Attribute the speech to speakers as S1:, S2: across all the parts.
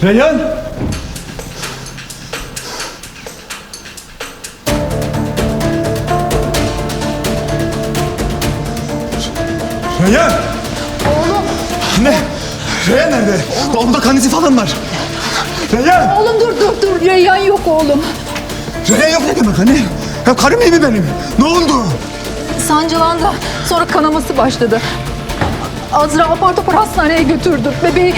S1: Reyhan! Reyhan!
S2: Oğlum.
S1: Ne? Reyhan nerede? Onda kan izi falan var. Reyhan!
S2: Oğlum dur. Reyhan yok oğlum.
S1: Reyhan yok ne demek anne? Ya karım iyi mi benim? Ne oldu?
S2: Sancılandı. Sonra kanaması başladı. Azra apar topar hastaneye götürdü. Bebeği...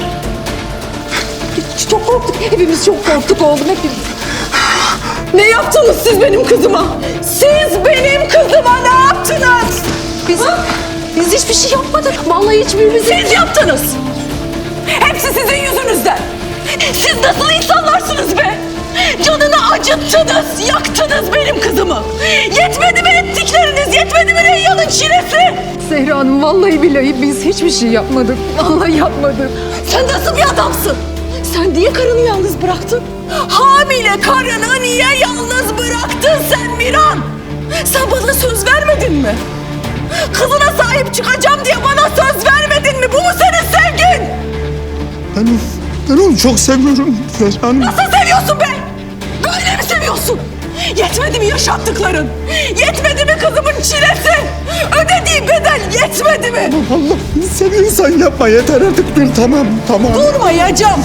S2: Çok korktuk. Hepimiz çok korktuk oğlum. Hepimiz. Ne yaptınız siz benim kızıma? Siz benim kızıma ne yaptınız? Biz hiçbir şey yapmadık. Vallahi hiçbirimiz... Siz yaptınız. Hepsi sizin yüzünüzden. Siz nasıl insanlarsınız be? Canını acıttınız, yaktınız benim kızımı. Yetmedi mi ettikleriniz, yetmedi mi Reyhan'ın çilesi? Zehra Hanım, vallahi billahi biz hiçbir şey yapmadık. Vallahi yapmadık. Sen nasıl bir adamsın? Sen niye karını yalnız bıraktın? Hamile karını niye yalnız bıraktın sen Miran? Sen bana söz vermedin mi? Kızına sahip çıkacağım diye bana söz vermedin mi? Bu mu senin sevgin?
S1: Ben onu çok seviyorum Reyhan.
S2: Nasıl seviyorsun be? Böyle mi seviyorsun? Yetmedi mi yaşattıkların? Yetmedi mi kızımın çilesi? Ödediği bedel yetmedi mi?
S1: Allah seviyorsan yapma yeter artık dur tamam.
S2: Durmayacağım.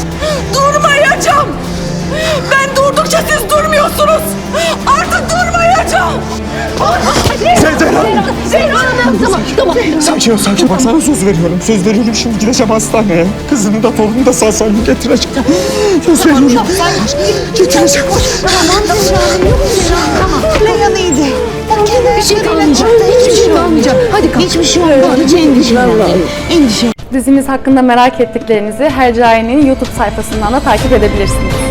S2: Ben durdukça siz durmuyorsunuz. Artık durmayacağım. Zehra Hanım. Tamam.
S1: Sakin ol. Bak sana söz veriyorum. Şimdi gideceğim hastaneye. Kızını da torununu da sağ salim getireceğim. Söz veriyorum. Getireceğim.
S3: Reyhan iyiydi.
S2: Bir şey kalmayacak. Hiçbir şey kalmayacak. Hadi kalk.
S3: Hiçbir şey olmadı. Hiç endişe.
S4: Dizimiz hakkında merak ettiklerinizi Hercai'nin YouTube sayfasından da takip edebilirsiniz.